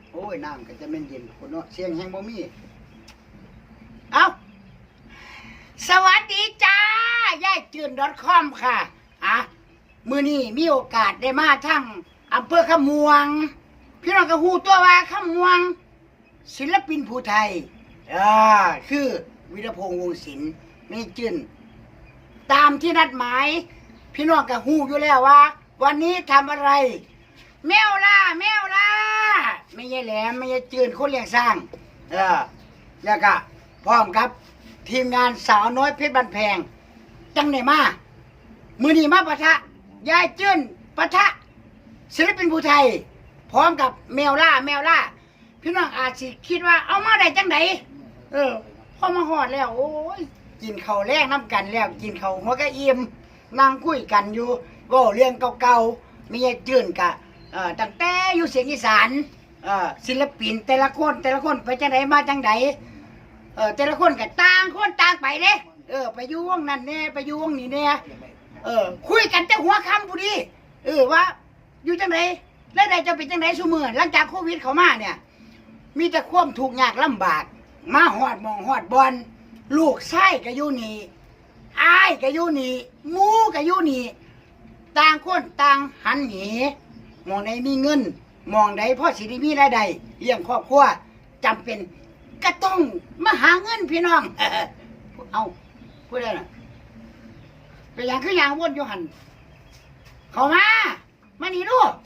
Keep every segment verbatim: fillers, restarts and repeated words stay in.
โอ้ยน้ำก็จะเป็นเย็นคนเนาะเสียงแห้งบ่มีเอาสวัสดีจ้ายายจืน .com ค่ะอ่ะมื้อนี้มีโอกาสได้มาทั้งอำเภอขมวงพี่น้องก็ฮู้ตัวว่าขมวงศิลปินผู้ไทยอ่าคือวีรพงษ์วงศ์ศิลป์นี่จืนตามที่นัดหมายพี่น้องก็ฮู้อยู่แล้วว่าวันนี้ทำอะไรแมวล่าแมวล่าไม่ใช่แหลมไม่ใช่จืนคนเลี้ยงสร้างเออแล้วก็พร้อมครับทีมงานสาวน้อยเพชรบันแพงจังไหนมามือนี้มาปะทะยายจืนปะทะศิลปินผู้ไทยพร้อมกับแมวล่าแมวล่าพี่น้องอาจสิคิดว่าเอามาได้จังไหนเออพอมาหอดแล้วโอ้ยกินข้าวแลกน้ำกันแล้วกินข้าวหัวกะอิ่มนั่งคุยกันอยู่เว้าเรื่องเก่าๆมียายจืนกะเอ่อตั้งแต่อยู่เสียงอีสานเอ่อศิลปินแต่ละคนแต่ละคนไปจังไดมาจังไดเออแต่ละคนก็ต่างคนต่างไปเด้เออไปอยู่วงนั้นแน่ไปอยู่วงนี้แน่เออคุยกันแต่หัวค่ำพอดีเออว่าอยู่จังไดแล้วได้จะเป็นจังไดซุมื้อหลังจากโควิดเข้ามาเนี่ยมีแต่ความทุกข์ยากลำบากมาฮอดหม่องฮอดบอนลูกชายก็อยู่นี่อ้ายก็อยู่นี่หมู่ก็อยู่นี่ต่างคนต่างหันหนีมองใดมีเงินมองใดพ่อสิได้มีรายได้เลี้ยงครอบครัวจำเป็นก็ต้องมาหาเงินพี่น้อง เอาพูดได้น่ะเป็นอย่างคืออย่างวนอยู่หันเข้ามามานี่ลูก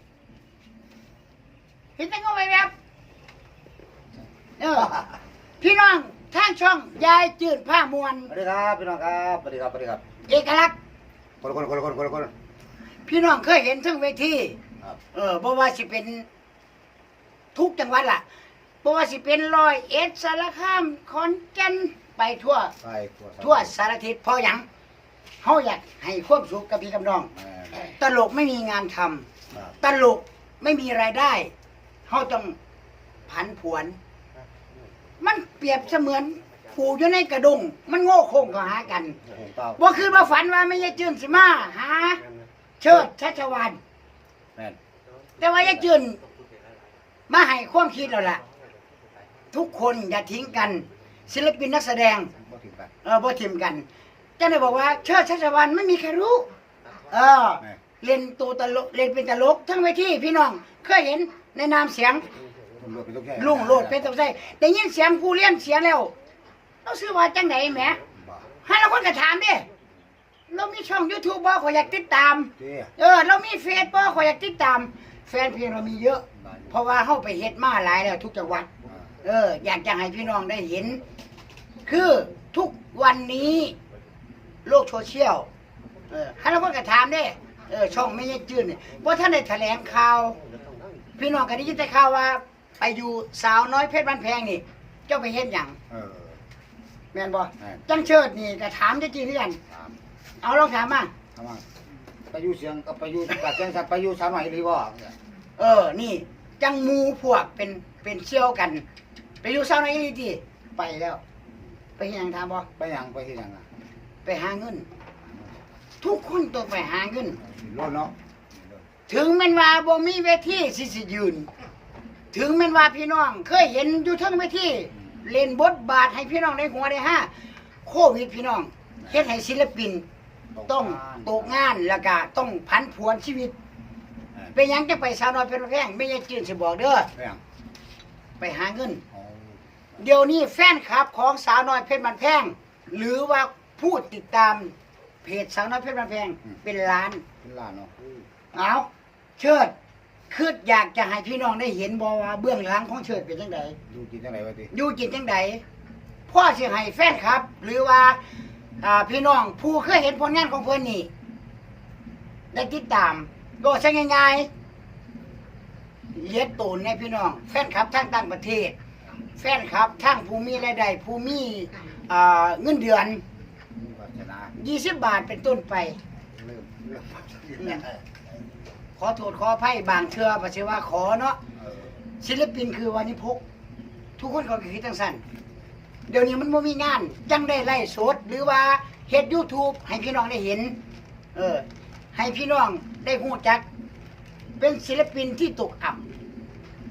เห็นแต่งงไปแบบเออพี่น้องทางช่องยายจืดผ้ามวลสวัสดีครับพี่น้องครับสวัสดีครับสวัสดีครับเอกลักษณ์คนคนคนคนคนคนพี่น้องเคยเห็นทั้งเวทีครับเออเพราะว่าสิเป็นทุกจังหวัดล่ะเพราะว่าสิเป็นร้อยเอ็ดสารคามขอนแก่นไปทั่วไปทั่วทั่วสารทิศเพราะหยังเขาอยากให้ความสุขกับพี่กับน้อง ตลกไม่มีงานทำตลกไม่มีรายได้เขาต้องผันผวน มันเปรียบเสมือนผูอยู่ในกระดงมันโง่โค้งก็หากันว่าคือมาฝันว่าไม่ยายจืนสิมาหาเชิดชัชวานแต่ว่ายายจืนมาให้ความคิดเราล่ะทุกคนอย่าทิ้งกันศิลปินนักแสดงเออบ่ทิ้งกันเจ้าได้บอกว่าเชิดชัชวานไม่มีใครรู้เออเล่นตัวตลกเล่นเป็นตลกทั้งเวทีพี่น้องเคยเห็นในนามเสียงลุงโลดเป็นตกใจได้ยินเสียงผู้เลี้ยงเสียงแล้วเราซื้อว่าจังไหนแหมให้เราคนก็ถามดิเรามีช่อง YouTube บ่ขอยอยากติดตามเออเรามีเฟซบ่ขอยอยากติดตามแฟนเพลงเรามีเยอะ เพราะว่าเฮาไปเฮ็ดมาหลายแล้วทุกจังหวัดเอออยากจะให้พี่น้องได้เห็น คือทุกวันนี้โลกโซเชียลเออให้เราคนก็ถามดิเออช่องไม่ใช่จื้นเนี่ยเพราะท่านได้แถลงข่าวพี่น้องก็ได้ยินแต่ข่าวว่าไปอยู่สาวน้อยเพชรบ้านแพงนี่เจ้าไปเฮ็ดหยังแม่นบ่จังเชิดนี่ก็ถามจริงๆคือกันเอาลองถามมาถามมาไปอยู่เสียงกับไปอยู่กับเสียงสัตว์ไปอยู่สาวน้อยดีบ่เออนี่จังหมู่พวกเป็นเป็นเชี่ยวกันไปอยู่สาวน้อยดีติไปแล้วไปเฮ็ดหยังถามบ่ไปหยังไปเฮ็ดหยังอ่ะไปหาเงินทุกคนต้องไปหาเงินโลดเนาะถึงแม่นว่าบ่มีเวทีสิสิยืนถึงแม่นว่าพี่น้องเคยเห็นอยู่เทิงเวทีเล่นบทบาทให้พี่น้องได้หัวได้ห้าโควิดพี่น้องเฮ็ดให้ศิลปินต้องตกงานแล้วก็ต้องผันผวนชีวิตเป็นหยังจะไปสาวน้อยเพชรบ้านแพงไม่ใช่จื่นสิบอกเด้อไปหาเงินเดี๋ยวนี้แฟนคลับของสาวน้อยเพชรบ้านแพงหรือว่าผู้ติดตามเพจสาวน้อยเพชรบ้านแพงเป็นล้านเป็นล้านเนาะเอาเชิดคืออยากจะให้พี่น้องได้เห็นบ่ว่าเบื้องหลังของเชิดเป็นจังไดอยู่จิตจังไดวะติอยู่จิตจังไดพ่อสิให้แฟนครับหรือว่าอ่าพี่น้องผู้เคยเห็นผลงานของเพิ่นนี่ได้ติดตามโดยใช้ง่ายๆเลียดตูนในพี่น้องแฟนคลับทั้งต่างประเทศแฟนคลับทั้งผู้มีรายได้ผู้มีอ่าเงินเดือนยี่สิบบาทเป็นต้นไปขอโทษขออภัยบางเทื่อบ่ใช่ว่าขอเนาะศิลปินคือวานิพกทุกคนก็คิดจังซั่นเดี๋ยวนี้มันบ่มีงานจังได้ไลฟ์สดหรือว่าเฮ็ด YouTube ให้พี่น้องได้เห็นเออให้พี่น้องได้ฮู้จักเป็นศิลปินที่ตกอับ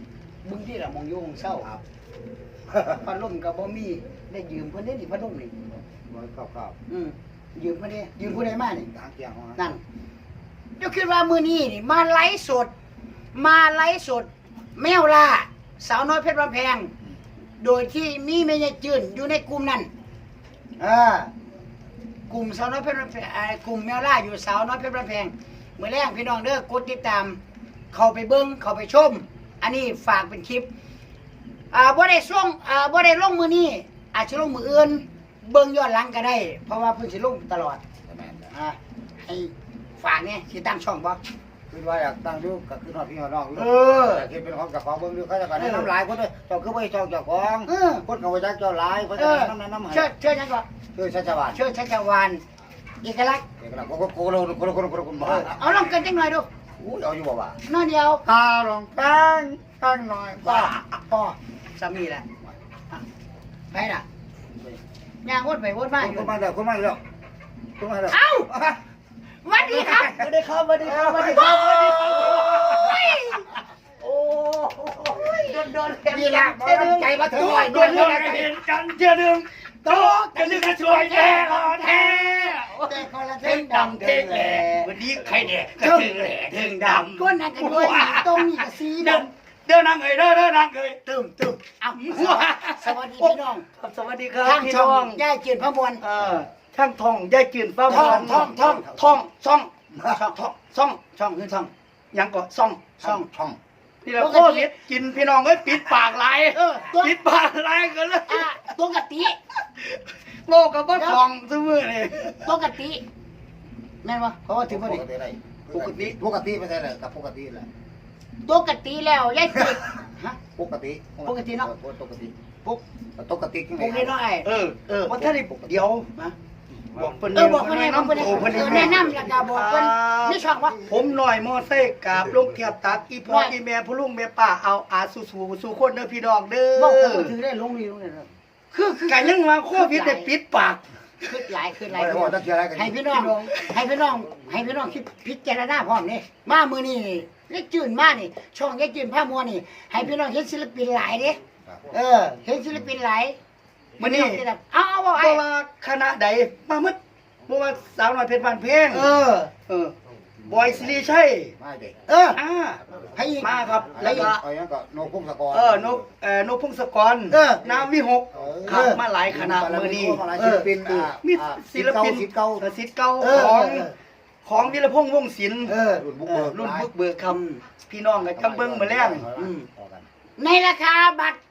บึงที่ละมองอยู่ของเศร้าครับพัดลมก็บ่มีได้ยืมเพิ่นได้นี่พัดลมนี่บ่เข้าเข้าอืมยืมเพิ่นได้ยืมผู้ใดมานี่ทางเตียงของนั่นเดี๋ยวคิดว่ามื้อนี้นี่มาไลฟ์สด มาไลฟ์สด แมวล่าสาวน้อยเพชรบ้านแพง โดยที่มีแม่ยายจื้นอยู่ในกลุ่มนั้นเออกลุ่มสาวน้อยเพชรบ้านแพงเอ่อกลุ่มแมวล่าอยู่สาวน้อยเพชรบ้านแพงมื้อแรกพี่น้องเด้อกดติดตาม เข้าไปเบิ่งเข้าไปชม อันนี้ฝากเป็นคลิป อ่าบ่ได้ส่งอ่าบ่ได้ลงมื้อนี้อาจสิลงมื้ออื่น เบิ่งย้อนหลังก็ได้ เพราะว่าเพิ่นสิลงตลอดแม่นอ่าให้ฝากเนี่ยสิตั้งช่องบ่คือว่าอยากตั้งอยู่ก็คือฮอดพี่ฮอดน้องอยู่เอออยากเฮ็ดเป็นของเจ้าของเบิ่งอยู่เขาจะก็แนะนำหลายคนเด้อเจ้าคือบ่ให้เจ้าเจ้าของเออคนก็บ่จักเจ้าหลายเขาเอจะอแนะนำแนะนำให้เชิดเชิดหยังก่อนคือชัชวานเชิดชัชวานเอกลักษณ์เอกลักษณ์โคโคโลโคโลโคโลโคโลคนบ้าเอาลองกันจังหน่อยดูอู้เอาอยู่บ่ว่าน้อยเดียวตาลองตั้งตั้งหน่อยพ่อว่าพ่อสามีแหละอ่ะไปน่ะย่างวนไปวนมาอยู่คนมาแล้วคนมาแล้วคนมาแล้วเอ้าสวัสดีครับสวัสดีครับสวัสดีครับสวัสดีครับสวัสดีครับโอ้ยโดนๆเห็นนี่ล่ะเห็นใจมาถึงหน่อยโดโดนนเรื่องๆเห็นกันเชื่อดึงโตกันนึกสวยแท้แท้แต่คนละเท่เท่งงดำดำเท่เท่งงแหแหล่ล่วันนี้ใครแดกก็ถึงแหล่เท่งดำก้นนั่นกันด้วยตรงนี้ก็สีเดินดำเดินนั่งเอ้ยเดินเดินนั่งเอ้ยตึมตึมเอาสวัสดีพี่น้องครับสวัสดีครับทางพี่ช่น้อองงย่ายเกียรติพระมวลเอ่อช่างทองยายจืนฟ้าท่องท่องท่องท่องซ่องช่องท่องช่องช่องคือช่องหยังก็ซ่องช่องช่องนี่แหละปกโคติวิดกินพี่น้องเอ้ยปิดปากไหลายเออตัวปิดปากไหลายกันเลยอ่ะปกติโลกกับบ่ทองซื่อมือนี่ปกติแม่นบ่เพราะว่าถึงบ่ได้ปกติปกติไม่ใช่เลยกับปกติแหละปกติแล้วย่ายเกียรติฮะปกติปกติเนาะปกติปุ๊กปกติปุ๊กนี่เนาะไอ้เออเออวันท่านนี่เดี๋ยวนะบอกเพิ่นเออบอกเพิ่นให้บอกเพิ่นให้โอ้เพิ่นเออแนะนำแล้วก็บอกเพิ่นนี่ช่องว่าผมหน่อยมอไซค์กราบลงเทียบตักอีพ่ออีแม่ผู้ลุงแม่ป้าเอาอาสู่สู่สู่คนเด้อพี่น้องเด้อบอกเพิ่นก็ถือได้ลงนี่ลงนี่เด้อคือคือกันยังว่าโควิดได้ปิดปากคือหลายคือหลาไม่ยได้บอกตั้งใจอะไรกันให้พี่น้องให้พี่น้องให้พี่น้องคิดพิจารณาพร้อมนี่มามือนี่ยายจืนมานี่ ช่องยายจืนผ้ามัวนี่ ให้พี่น้องเห็นศิลปินหลายเด้เออ เห็นศิลปินหลายมื้อนี้เอาเอาเอาบ่ไอ้ว่าคณะใดมาหมดบ่ว่าสาวน้อยเพชรบ้านเพลงเออเออบอยสิริชัยไม่เด็กเอออ่าให้อีกมาครับแล้แล้ว วก็ก็เอาอย่างก็โนพุ่งสกอร์เออนกเอ่อนกพงศกรเออน้ำวิหกเออขับมาหลายคณะมื้อนี้ศิลปินอ่ามีศิลปินศิลป์เก่าเออศิลป์เก่าเออของเออของวิรพงษ์วงศิลป์เออรุ่นบุกเอเบิอก รุ่นบุกเบิกครับอืมพี่น้องก็จังเบิ่งมาแล้งอืม ในราคาบัตร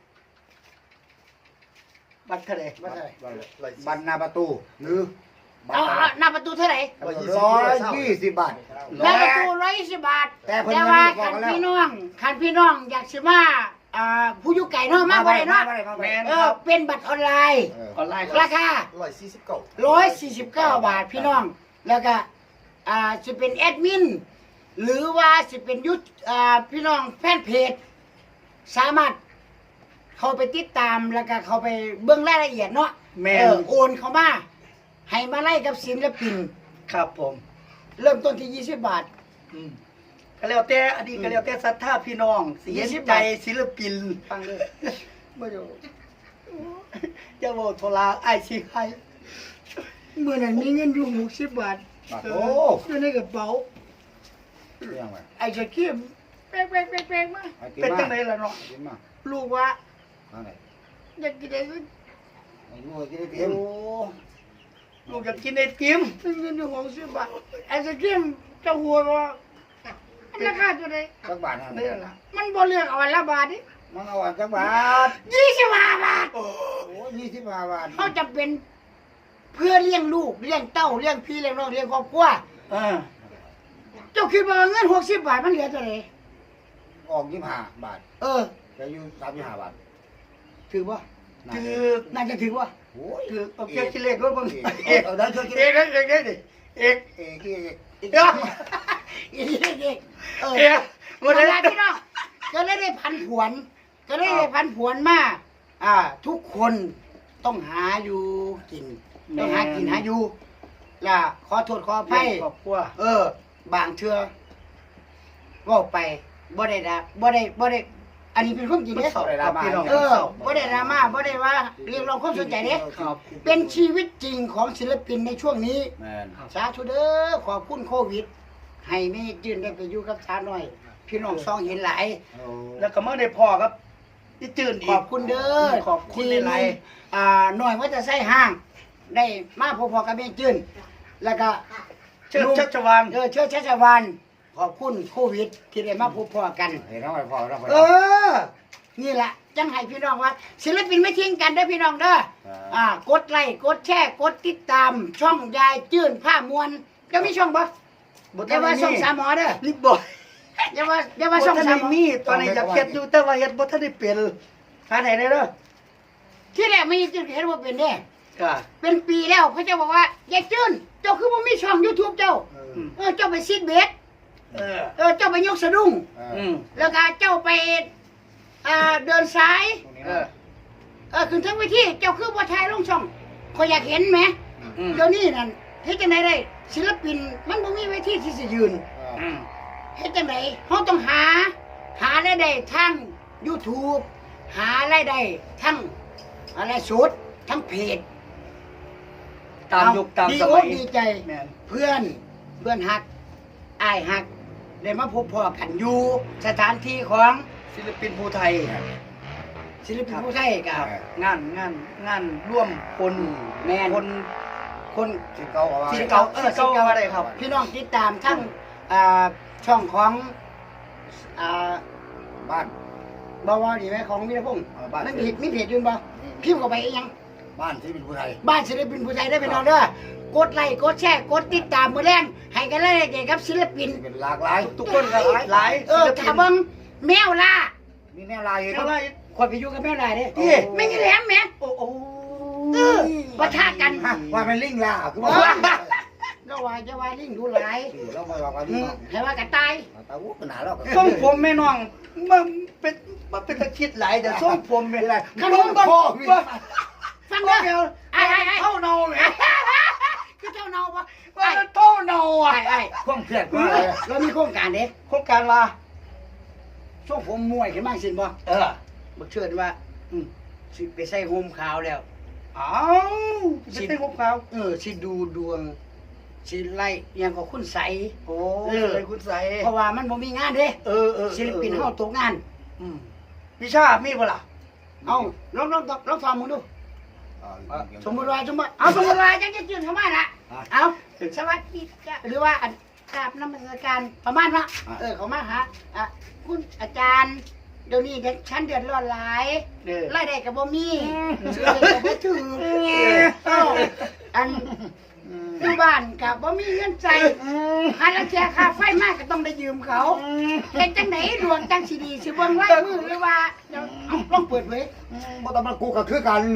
บัตรเท่าใดบัตรเท่าไหร่บัตรหน้าประตูหรือบัตเอารเอาหน้าประตูเท่าไหร่ร้อยยี่สิบบาทหน้าประตูร้อยยี่สิบบาทแต่เพิ่นแต่ว่ายังไม่บอกกันแล้วคันพี่น้องคันพี่น้องอยากสิมาอ่าผู้อยู่ไก่เนาะมาบ่ได้เนาะแม่นเอคอรับเป็นบัตรออนไลน์ออนไลน์ครารับคาร้อยสี่สิบเก้าร้อยสี่สิบเก้าบาทพี่น้อง แล้วก็อ่าจะเป็นแอดมิน หรือว่าจะเป็นยุทธอ่าพี่น้องแฟนเพจ สามารถเข้าไปติดตามแล้วก็เข้าไปเบื้องรายละเอียดเนาะแม่นเออโอนเข้ามา ให้มาไล่กับศิลปินครับผมเริ่มต้นที่ยี่สิบบาทอืมก็แล้วแต่อันนี้ก็แล้วแต่ศรัทธาพี่น้องสิเห็นยี่สิบใจบาทศิลปินฟังเลยบ่อยู่จะบอกโทรลาไอ้ายสิให้เมื่อนั้นมีเงินอยู่หกสิบบาทโอ้อยู่ในกระเป๋ายังไงไอ้จะเขี้ยมแป๊กแป๊กแป๊กแป๊กมาเป็นจังไดล่ะเนาะกินมาลูกว่าทางไหนอยากกินอะไรก็ไอ้ลูกกินได้โอ้เต็มลูกอยากกินไอติมมีเงินอยู่หกสิบบาทไอ้จะเขี้ยมจะหัวว่าราคาตัวไหนสักบาทนะนี่ล่ะมันบ่เลือกเอาอันละบาทดิมันเอาอันสักบาทยี่สิบห้าบาทโอ้ยยี่สิบห้าบาทเขาจำเป็นเพื่อเลี้ยงลูกเลี้ยงเต้าเลี้ยงพี่เลี้ยงน้องเลี้ยงครอบครัวเออเจ้าคิดว่าเงินหกสิบบาทมันเหลือเท่าไหร่ออกยี่สิบห้าบาทเออจะอยู่สามยี่สิบห้าบาทถือว่าคือน่าจะถือว่าโอ้ยคือเอาเกี่ยวกิเลสก็บางเอกเอาได้ช่วยกินเอกเอกเอกเอกดิเอกเอกเอกเอกอีกอีกเออเอกหมวัดนเลยนั้นพี่น้องก็เลยได้พันผวน ก็เลยได้พันผวนมาอ่า ทุกคนต้องหาอยู่กิน ต้องหากินหาอยู่ล่ะขอโทษขออภัยครอบครัวเออ บางเทื่อเว่าไปบ่ได้ดะบ่ได้บ่ได้อันนี้เป็นความจริงมันเด้เศร้าครับพี่น้องเออบ่ได้ดราม่าบ่ได้ว่าเรียกร้องความสนใจเด้ครับเป็นชีวิตจริงของศิลปินในช่วงนี้แม่นสาธุเด้อขอบคุณโควิด ให้แม่จืนได้ไปอยู่กับชาหน่อย พี่น้องซองเห็นหลายโอ้แล้วก็มาได้พ่อครับที่จืนอีกขอบคุณเด้อขอบคุณที่หลายอ่าหน่อยว่าจะใส่ห้าง ได้มาพอๆกับแม่จืนแล้วก็ๆเชิดชัชวานเออเชื้อชัชวานขอบคุณโควิด ที่ได้มาพบพอกันเห็นแล้วไม่พอแล้วเออ นี่แหละจังให้พี่น้องว่า ศิลปินไม่ทิ้งกันเด้อพี่น้องเด้ออ่ากดไลค์กดแชร์กดติดตาม ช่องยายจื้นผ้ามวลจะมีช่องบ่อย่าว่าช่องสามหมอเด้อนี่บ่อย่าว่าอย่าบ่ว่าช่องทันสาได้มหมอมีตอนนี้อยากเฮ็ดอยู่แต่ว่าเฮ็ดบ่ทันได้เป็นหาไหนได้เด้อที่แรกไม่จื้นเห็นว่าเป็นเด้ก็เป็นปีแล้วพระเจ้าบอกว่ายายจื้นเจ้าคือบ่มีช่อง YouTube เจ้าเออเจ้าไปซิดเบสเออเออเจ้าไปยกสะดุ้งอืมแล้วก็เจ้าไปอ่าเดินสายเออเออขึ้นทั้งเวทีเจ้าคือบ่ถ่ายลงช่องขอยอยากเห็นไหมอืมเดี๋ยวนี้นั่นเฮ็ดจังไดได้ศิลปินมันบ่มีเวทีที่สิยืนอืมเฮ็ดจังไดเฮาต้องหา หารายได้ทาง YouTube หารายได้ทั้งอะไรสดทั้งเพจตามยุคตามดีสอกมัยดีใจแม่นเพื่อนเพื่อนฮักอ้ายฮักได้มาพบพอกันอยู่สถานที่ของศิลปินภูไทยศิลปินผู้ไทยกับงานงานงานร่วมคนแม่นคนคนที่เก่าเอาไว้ศิลเก่าเออศิลเก่าอะไรครับพี่น้องติดตามทั้งอ่าช่องของอ่าบ้านบวดีไหมของวีรพงศ์เออบ้านนั่นเพจมีเพจอยืนบ่พิมพ์เข้าไปอีหยังบ้านที่เป็นผู้ไทยบ้านศิลปินผู้ไทยได้ไปนอนเด้อกดไลค์กดแชร์กดติดตามมือแรงให้กันเลยเด็กกับศิลปินเป็นหลากหลายทุกคนก็หลายหลายเออศิลปิถ้าน เบิ่งแมวล่ามีแนวลายอยู่เท่าไหร่คนไปอยู่กับแมวล่าเด้เอ๊ะไม่มีแหลมแหมโอ้โหเออปะทะกันฮะว่าเป็นลิงล่าคือเอว่าอก็ว่าจะว่าลิงดูหลายเราไม่ว่ากันอืที่มให้ว่ากระตายตาวุ้ขนาดแล้วส่งผมแม่น้องมันเป็นมันเป็นตะคิดหลายแต่ส่งผมไม่ได้ขนลมงบ้างพ่อบ้างฟังบ้าเด้งอไอ้ไอ้ไอ้เท่าเนาเลยคือเจ้าเนาปะว่าไอ้มันเท่าเนาอ่ะไอ้ไอ้ข้องเพียรว่าอะไรเรามีโครงการเด้โครงการว่าช่วงผมมวยขึ้นมาสินบ่เออบักเชิญว่าอืมสิไปใส่โฮมขาวแล้วอ้าวจะเป็นของเขาเออสิดูดวงสิไล่อยังกับคุณใสโอ้เออเลยคุณใสเพราะว่ามันบ่มีงานเด้เออเออศิลปินเฮาตกงานอืมวิชามีบ่ล่ะเอาลองลองลองฟังมึงดูอ่าสมมุติว่าสมมุติเอาสมมุติว่าจังจะจืนเข้ามาละเอาสวัสดีจ้ะหรือว่าอันกราบนมัสการประมาณว่าเออเขามาหาอ่ะคุณอาจารย์เดี๋ยวนี้เด็กชั้นเดือดร้อนหลายเออรายได้ก็บ่มีซื้อก็บ่ถึงเอ้าอันอยู่บ้านก็บ่มีเงินใช้หาละแชร์ค่าไฟมากก็ต้องได้ยืมเขาเป็นจังไหนดวงจังสิดีสิเบิ่งไว้มือหรือว่าเดี๋ยวเอาลองเปิดเผยบ่ต้องมากูก็คือกัน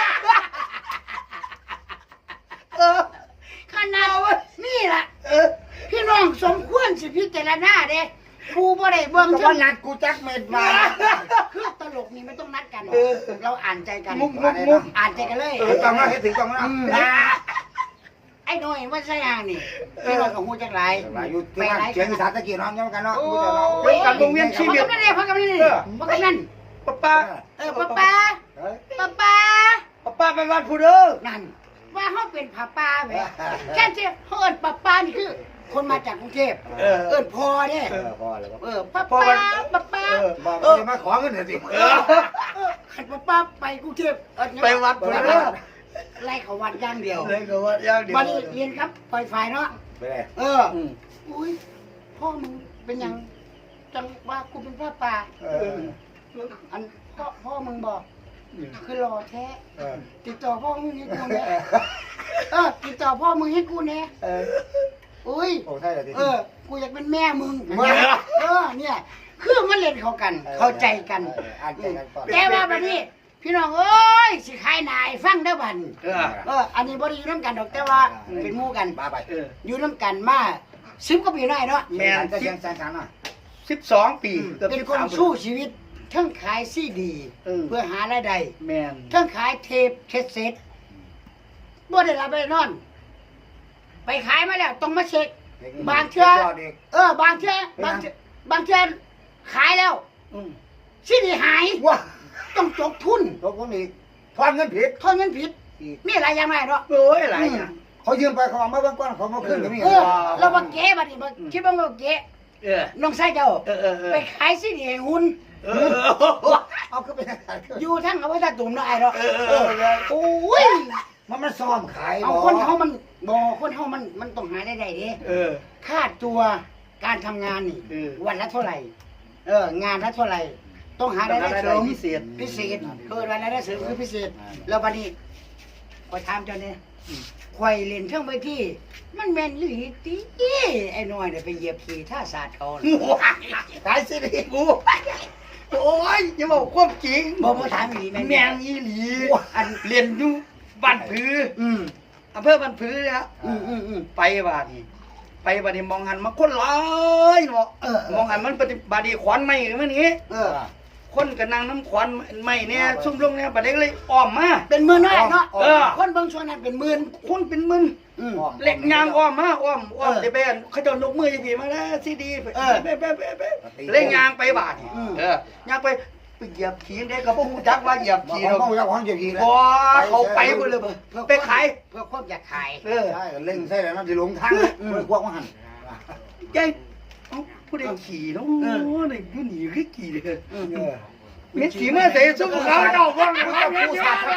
เออขนาดนี่ล่ะเออพี่น้องสมควรสิพิจารณาเด้กูบ่ได้เบิ่งก็เท่าว่านั้นนัดกูจักเม็ดมาคือตลกนี่ไม่ต้องนัดกันเออเราอ่านใจกันมุกมุกมุกอ่านใจกันเลยเออต้องนะให้ถึงต้องนะอ่าไอ้น้อยว่าใช่ยางนี่พี่น้องของฮู้จักหลายหลายอยู่ที่นั่นเชียงอีสานตะกี้น้องยังกันเนาะโอ้กูจะเนาะยพักกันนั่นเลยพักกันนั่นเลยพักกันนั่นป้าป้าเออป้าป้าเฮ้ยป้าป้าป้าป้าไปวัดผู้เด้อนั่นว่าเฮาเป็นป้าป้าแหมแค่ที่เฮาเอิ้นป้าป้านี่คือ คนมาจากกรุงเทพเออเอิ้นพ่อเด้เออพอแล้วเออป้าป้าป้าป้าเออบอกจะมาขอเงินหน่อยสิเออขันป้าป้าไปกรุงเทพเอิ้นไปวัดผู้เด้อไล่เขาวัดอย่างเดียวเลยก็ว่าอย่างเดียววันนี้เรียนครับปล่อยไฟเนาะไปเลยเอออืมอุ้ยพ่อมึงเป็นหยังจังว่ากูเป็นพ่อป่าเอออันพ่อพ่อมึงบอกคือรอแท้เออติดต่อพ่อมึงให้กูเนี่ยเออติดต่อพ่อมึงให้กูเนี่ยเอออุ้ยโอ้ใช่เลยทีเออ กูอยากเป็นแม่มึงเออเนี่ย คือมันเล่นเขากัน เข้าใจกันอ่านใจกันก่อนแต่ว่าบัดนี้ พี่น้องเอ้ยสิขายนายฟังเด้อบัดเออเอออันนี้บ่ได้อยู่นํกันดอกแต่ว่าเป็นหมู่กันมาไปเอออยู่นํกันมาสิบกว่าปีได้เนาะแม่นจะเชียงแสนสามอ่ะสิบสองปีเกือบเป็นสิบคนสามสู้ชีวิตทั้งขายซีดีเออเพื่อหารายได้แม่นทั้งขายเทปเช็ดเซ็ตบ่ได้รับไปนอน ไปขายมาแล้วต้องมาเช็ค บางเทื่อ เออบางเทื่อบางเทื่อบางเทื่อขายแล้วอืมสิได้หายว้าต้องจกทุนตกคนนี้ทอนเงินผิดทอนเงินผิดมีอะไรอย่างไรเนาะโอ้ยหลายอย่างเขายืมไปเขาเอามาเบิ่งก่อนเขามาคืนก็มีเออเราบ่เก๋บัดนี้บ่คิดว่าบ่เก๋เออน้องชายเจ้าเออเออเออไปขายสิได้ให้หุ่นเออเอาก็เป็นอะไรอยู่ทั้งเอาไว้ตาตุ่มเนาะไอ้เนาะเออเออเออโอ้ยมันมันซ้อมขายเอาคนเฮามันบ่คนเฮามันมันต้องหาได้ได้เด้เออค่าตัวการทำงานนี่เออวันละเท่าไหร่ เอองานละเท่าไหร่ ต้องหารายได้เสริมพิเศษพิเศษเกิดวันรายได้เสริมคือพิเศษ แล้วบัดนี้ขอยถามเจ้าเนี่ยข่อยเล่นเครื่องไปที่ มันแม่นอีหลีติไอ้น้อยเนี่ยไปเหยียบขี่ท่าศาสตร์เขาน่ะขายสิริกูโอ้ยอย่าบอกความจริงบ่บ่ถามอีหลีแม่นแมงอีหลีอันเรียนอยู่บ้านผืออืมอำเภอบ้านผือนะอืมอืมอืมไปบ้านนี่ไปบ้านนี่มองหันมาคนหลายเนาะเออมองหันมันปฏิบัติดีขวัญไม่หรือมันนี้เออคนกับนางน้ำขวัญไม่เนี่ยซุ่มลงเนี่ยบัดเด็กเลยอ้อมมาเป็นหมื่นน้อยเนาะเออคนเบิ่งช่วงนั้นเป็นหมื่นคนเป็นหมึนอืมเล็กยางอ้อมมาอ้อมอ้อมเออจะไปเขาจะยกมือจะผีมาแล้วซีดีไปเออไปไปไปไปเล่นยางไปบาทนี่อืมเออยางไปไปเหยียบขี่ได้กับพวกจักว่าเหยียบขี่เขาเราต้องเอาของเจ็บทีแล้วบ่เขาไปเบ่เลยบ่ไปขายเพื่อความอยากขายเออใช่เล่งใช่แล้วนั่นจะหลงทางเลยเมื่อพวกมันหันยายเอ้าผู้ใดขี่เนาะนี่ผู้หนีคือขี่เลยเออมีขี่มาใส่ซุ่มเขาเจ้าบ้างเขาเนี่ย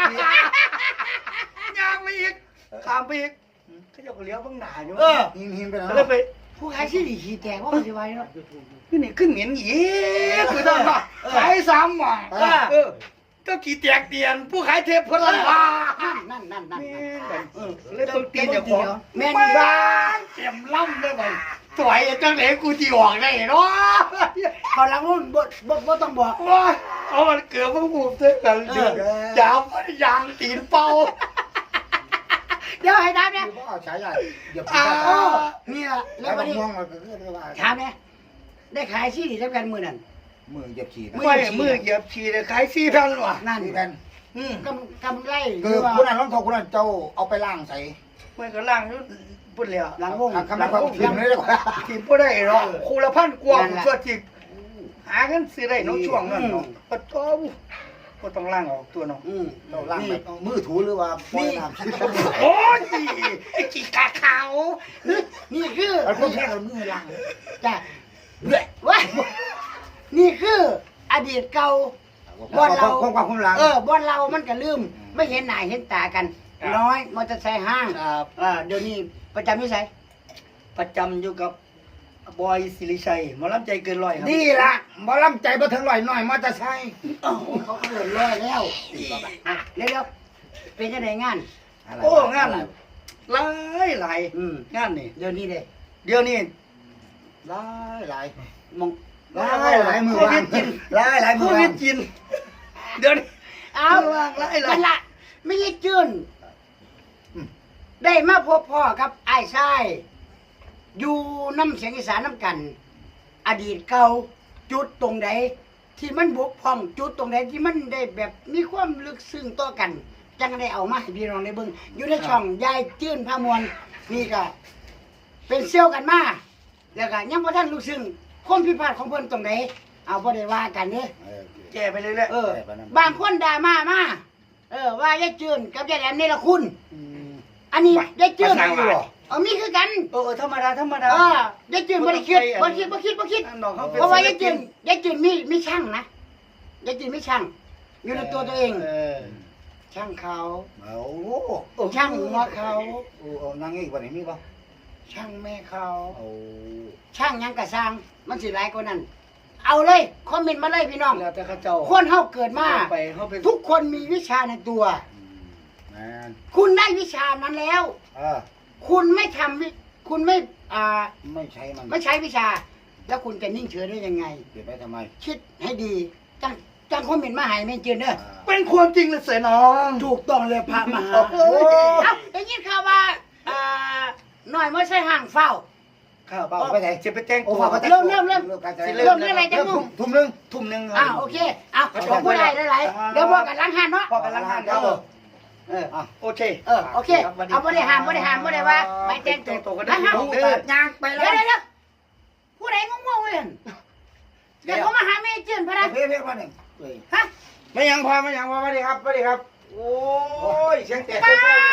ยางไปอีกข้ามไปอีกเขาจะเลี้ยวบ้างหนาอยู่เออหินหินไปก็แล้วเลยไปผู้ขายสิริขี่แตกว่ามันสิไว้เนาะขึ้นนี่ขึ้นเหม็นอีกคือต้องมาขายสามหม่องเออก็ขี่แตกเตียนผู้ขายเทปพลันบานั่นนั่นนั่นแม่นั่นนเออเลยต้องตีนอย่างของแม่นบ้านเต็มล่ำเลยไปสวยจังไหนกูจีออกได้เนาะเขาหลังนู้นบ่บ่บ่ต้องบอกว้าเอามันเกือบพวกกูเท่ากันเดือดยาวมันยางตีนเป่าเดี๋ยวให้ถามเนี่ยคือเอาฉายาเหยียบอ่าโอ้นี่ล่ะแล้แล้ว ววัมัน นนี้ม่วงมันก็คือว่าถามเนี่ยได้ขายสิริแล้วกันมื้อนั้นมือเหยียบฉีดมืไม่มือเหยียบฉี่เลยขายสี่พันว่ะนั่นนี่กันอืมกำกำไรคือคุณนั่นรองเท้าคุณนั่นเจ้าเอาไปล้างใส่ไม่ก็ล่างอยู่พุ่นแล้วหลังวงคำนั้นความถึงเลยดีกว่าทีมบ่ได้หรอกคูละพันกว่าส่วนที่หาเงินซื้อได้น้องช่วงนั้นเนาะปะโต้ก็ต้องล่างออกตัวน้องอืมเราล้างแบบมือถูหรือว่าปล่อยน้ำโอ้ยไอ้ขี้กาขาวนี่คือแล้วพวกแค่เรามือล้างจ้ะว้ายนี่คืออดีตเก่า บ่อนเราความความความล้างเออบ่อนเรามันก็ลืม ไม่เห็นหน้าเห็นตากัน น้อยมอเตอร์ไซค์ห้างครับเออเดี๋ยวนี้ประจำนิสัยประจำอยู่กับบอยสิริชัยหมอลำใจเกินร้อยครับดีละบ่ลำใจบ่ถึงลอยหน่อยมาจะใช่โอ้โหเขาเกินร้อยแล้วอ่ะเร็วๆเป็นยังไงงานโอ้งานหลายหลายอืมงานนี่เดี๋ยวนี้เด้เดี๋ยวนี้หลายหลายมองหลายหลายมือวางหลายหลายโคมือวิวาดงกิน เดี๋ยวนี้เอาว่างๆไล่ๆกันละไม่ใช่จืนได้มาพบพ่อกับไอ้ายชายอยู่น้ำเสียงอีสานน้ำกัน อดีตเก่าจุดตรงใดที่มันบกพร่องจุดตรงใดที่มันได้แบบมีความลึกซึ้งต่อกัน จังได้เอามาให้พี่น้องได้เบิ่งอยู่ในช่องยายจื้นพามวลนี่ก็เป็นเซี่ยวกันมาแล้วก็ยังบ่ทันรู้ซึ้งความผิดพลาดของเพิ่นตรงใดเอาบ่ได้ว่ากันเด้อแก้ไปเรื่อยเออ บางคนด่ามามาเออว่ายายจื้นกับยายแหลมนี่ละคุณ อันนี้ยายจื้นเออมีคือกันๆเออธรรมดาธรรมดาเออยายจืนบ่ได้คิดบ่คิดบ่คิดบ่คิดน้องเขาเป็นเพราะว่ายายจืนยายจืนมีมีช่างนะยายจืนมีช่าง อยู่ในตัวตัวเองเออช่างเขาเอาช่างหัวเขาโอ้เอานางอีกวันนี้มีป่ะช่างแม่เขาเอาช่างหยังกะสร้าง มันสิหลายกว่านั้น เอาเลยคอมเมนต์มาเลยพี่น้องแล้วแต่เขาเจ้าคนเฮาเกิดมาไปเขาไปทุกคนมีวิชาในตัวแมนคุณได้วิชานั้นแล้วเออคุณไม่ทำวิคุณไม่อ่าไม่ใช่มันไม่ใช้วิชา แล้วคุณจะนิ่งเฉยได้ยังไงเก็บไว้ทำไมคิดให้ดีจังจังคอมเมนต์มาให้แม่จืนเด้อเป็นความจริงเลยเสยน้องถูกต้องเลยพระมหาโอ้ยเอ้าได้ยินข่าวว่าอ่าหน่อยไม่ใช่ห่างเฝ้าครับเปล่าไปไหนจะไปแจ้งโอ้ตัวฝากเริ่มเริ่มเริ่มการเริ่มเรื่องอะไรจะมุ่งทุ่มหนึงทุ่มหนึ่งอ่าโอเคอ่ะขอผู้ใดหลายๆเดี๋ยวบอกกันล้างหันเนาะพอกันล้างหานเดี๋ยวเออโอเคเออโอเคเอาบ่ได้ห้ามบ่ได้ห้ามบ่ได้ว่าไปแจ้งตัวตัวก็ได้นะฮะเด้อยางไปแล้เดี๋ยววเดี๋ยวเดี๋ยวผู้ใดงงๆเว้ยเดี๋ยวเขามาหาแม่จืนพะนะเพ่เพ่มาหนึ่งเลยฮะไม่ยังพอไม่ยังพอสวัสดีครับสวัสดีครับ โอ้ยเสียงแตกป้าเซี่ยวด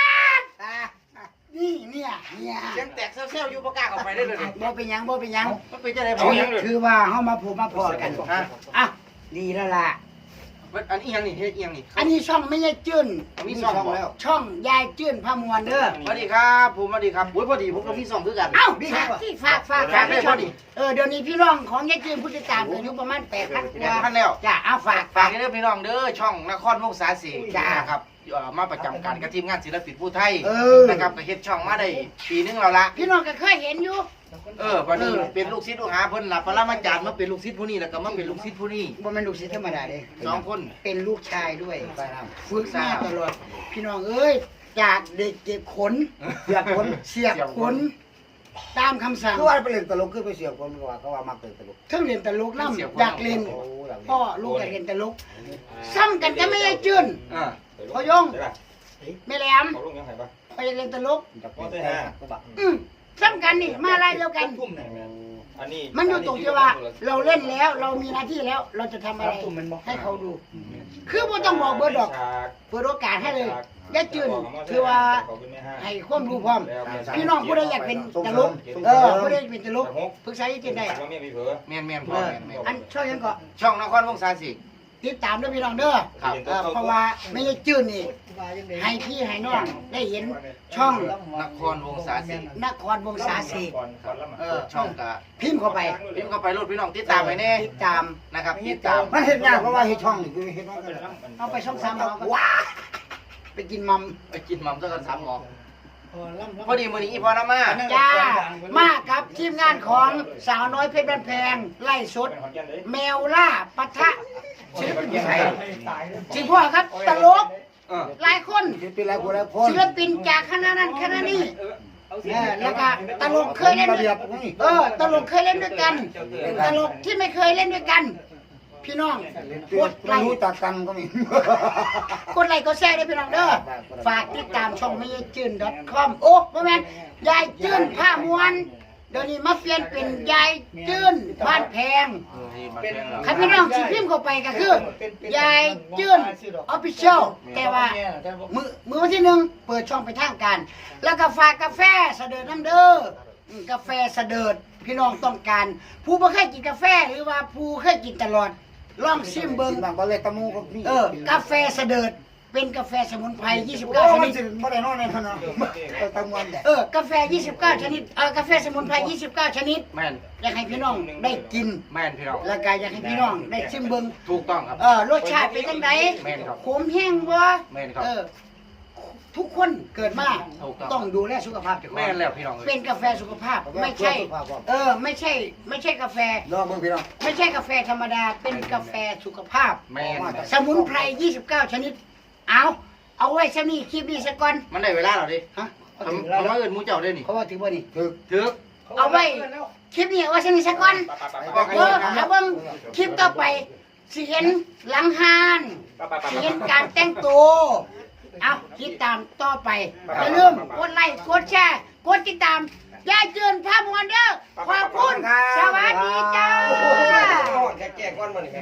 นี่เนี่ยเนี่ยๆเสียงแตกเซี่ยวๆอยู่ประกล้าศออกไปได้เลยดิบ่เป็นหยังบ่เป็นหยังมันเป็นจะได้ถืผอมยังเลยถือว่าเฮามาพบมาพอกันฮะอ่ะดีแล้วล่ะอันนี้ยังนี่เฮ็ดยังนี่อันนี้ช่องไม่ใช่จื้นมีซ่องแล้วช่องยายจื้นพามวลเด้อสวัสดีครับผมสวัสดีครับอุ้ยพอดีผมก็มีซ่องคือกันเอ้าฝากที่ฝากฝากฝากได้ช่องพอดีเออเดี๋ยวนี้พี่น้องของยายจื้นผู้ติดตามอายุประมาณแปดพันกว่าท่านแล้วจ้ะเอาฝากฝากให้เด้อพี่น้องเด้อช่องนครวงศาสีจ้านะครับเอ่อมาประจำการกับทีมงานศิลปินผู้ไทยเออนะครับก็เฮ็ดช่องมาได้ปีนึงแล้วละพี่น้องก็เคยเห็นอยู่เออวันนี้เออเป็นลูกศิษย์ลูกหาเพิ่นหลับปรมาจารย์มาเป็นลูกศิษย์ผู้นี้แล้วก็มาเป็นลูกศิษย์ผู้นี้บ่แม่นลูกศิษย์ธรรมดาเด้สองคนเป็นลูกชายด้วยฝึกมาตลอด พี่น้องเอ้ยจากเด็กเก็บขนเสียบคนเสียบขนตามคำสั่งคือว่าไปเล่นตลกคือไปเสียบคนก็ว่าเขาว่ามักเล่นตลกทั้งเรียนตลกน้ำอยากเล่นโอ้หลังพ่อลูกอยากเรียนตลกซ้ำกันก็ไม่ได้จื้นอ่าพ่อยงไม่แหลมเขาลงยังไงปะไปเรียนตลกจะเป็นแต่ก็บักอืมซ้ำกันนี่มาลายเดียวกันทุ่มหนึ่งอันนี้มันอยู่ตรงที่ว่า เราเล่นแล้วเรามีหน้าที่แล้ว เราจะทำอะไรให้เขาดู คือบ่ต้องบอกเบอร์ดอกเปิดโอกาสให้เลยอย่าจื้นถือว่าให้ความรู้พร้อม พี่น้องผู้ใดอยากเป็นตลกเออผู้ใดอยากเป็นตลกปรึกษาอีเจนได้ว่าไม่มีเผลอแม่นแม่นพ่อเออแม่นแม่นอันช่องยังก็ช่องนครวงศาสีติดตามด้วยพี่น้องเด้อครับเออเพราะว่าไม่ได้จื้นนี่ให้พี่ให้น้องได้เห็นช่องนครวงศาสีนครวงศาสีก่อนก่อนละมาเออช่องกะพิมพ์เข้าไปพิมพ์เข้าไปรถพี่น้องติดตามไปแน่ติดตามนะครับติดตามมันเห็นยากเพราะว่าเฮ็ดช่องนี่คือเฮ็ดว่ากันเอาไปช่องสามเอาก็ว้าไปกินมัมไปกินหม่ำซะกันสามหมอพอดีมื้อนี้อีพอน้ำมาจ้ามากับทีมงานของสาวน้อยเพชรบ้านแพงไล่สดเป็นขอนแก่นเลยแมวล่าปะทะศิลปินผู้ไทยจริงพ่อครับตลกเออหลายคนเป็นไรคนละคนศิลปินจากคณะนั้นคณะนี้เออแล้วก็ตลกเคยเล่นระด้เบีวย ยบนี่เออตลกเคยเล่นด้วยกันตลกที่ไม่เคยเล่นด้วยกัน พี่น้องกดไลไม่ค์รู้จักกันก็มีกดไลค์กดแชร์ด้วยพี่น้องเด้อฝากติดตามช่องไม่ยายจื้น .com โอ้บ่แม่นยายจื้นผ้ามวนเดี๋ยวนี้มาเปลี่ยนเป็นยายจื้นบ้านแพง ใครพี่น้องสิพิมพ์เข้าไปก็คือยายจื้นออฟฟิเชียลแต่ว่ามือมือวันที่หนึ่งเปิดช่องไปนทางการ แล้วก็ฝากกาแฟเสดิร์ดน้ำเด้ออืมกาแฟเสดิร์ดพี่น้องต้องการ ผู้บ่เคยกินกาแฟหรือว่าผู้เคยกินตลอดลองชิมเบิ่งบางก็เลยตะมูก็มีเออกาแฟเสดิร์ดเป็นกาแฟสมุนไพรยี่สิบโอ้เก้าชมันนิดสิบ่ได้นอนในนั้นเนาะตะมวนแหละเออกาแฟยี่สิบเก้าชนิดเออกาแฟสมุนไพรยี่สิบเก้าชนิดแม่นอยากให้พี่น้องได้กินแม่นพี่น้องแล้วก็อยากให้พี่น้องได้ชิมเบิ่งถูกต้องครับเออรสชาติเป็นจังไดแม่นครับขมแห้งบ่แม่นครับเออทุกคนเกิดมาถูกต้องต้องดูแลสุขภาพเจ้าของแม่นแล้วพี่น้องเอ้ยเป็นกาแฟสุขภาพไม่ใช่ เออ ไม่ใช่ ไม่ใช่กาแฟลองเบิ่งพี่น้องไม่ใช่กาแฟธรรมดา เป็นกาแฟสุขภาพแม่นสมุนไพรยี่สิบเก้าชนิด เอาเอาไว้ซะนี่คลิปนี้ซะก่อนมันได้เวลาแล้วดิฮะทำทำมาเอิ้นหมูเจ้าได้นี่เขาว่าถือบ่นี่ถึกถึกเอาไว้คลิปนี้เอาไว้ซะนี่ซะก่อน เออเอาเบิ่งคลิปต่อไปสิเห็นหลังหานสิเห็นการแต่งตัวเอาติดตามต่อไปอย่าลืมกดไลค์กดแชร์กดติดตามยายจืนภาพมวลเด้อขอบคุณสวัสดีจ้าแก่ก้อนมัน